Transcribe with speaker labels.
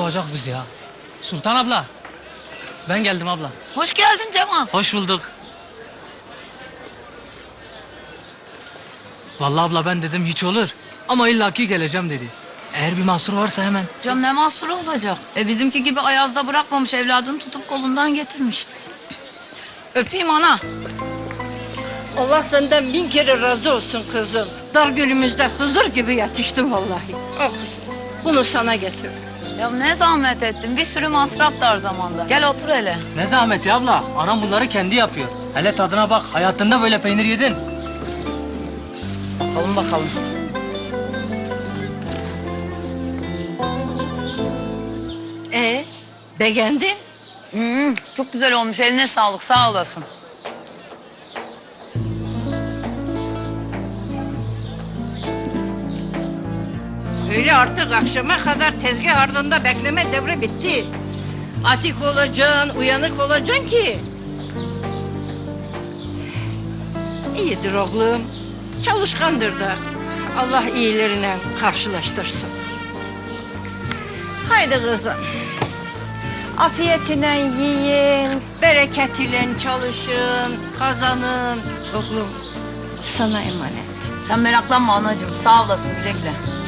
Speaker 1: olacak biz ya. Sultan abla. Ben geldim abla.
Speaker 2: Hoş geldin Cemal.
Speaker 1: Hoş bulduk. Vallahi abla ben dedim hiç olur. Ama illaki geleceğim dedi. Eğer bir mahsur varsa hemen.
Speaker 2: Canım ne mahsuru olacak? Bizimki gibi ayazda bırakmamış, evladını tutup kolundan getirmiş. Öpeyim ana.
Speaker 3: Allah senden 1000 kere razı olsun kızım. Dar gölümüzde Hızır gibi yetiştin vallahi. Al kızım. Bunu sana getir.
Speaker 2: Ya ne zahmet ettin, bir sürü masraf dar zamanda. Gel otur hele.
Speaker 1: Ne zahmeti abla. Anam bunları kendi yapıyor. Hele tadına bak. Hayatında böyle peynir yedin.
Speaker 2: Bakalım bakalım.
Speaker 3: Beğendin?
Speaker 2: Çok güzel olmuş, eline sağlık, sağ olasın.
Speaker 3: Öyle artık akşama kadar tezgah ardında bekleme devri bitti. Atik olacaksın, uyanık olacaksın ki. İyidir oğlum. Çalışkandır da. Allah iyilerine karşılaştırsın. Haydi kızım. Afiyetine yiyin, bereketiyle çalışın, kazanın. Oğlum sana emanet.
Speaker 2: Sen meraklanma anacığım, sağ olasın, güle güle.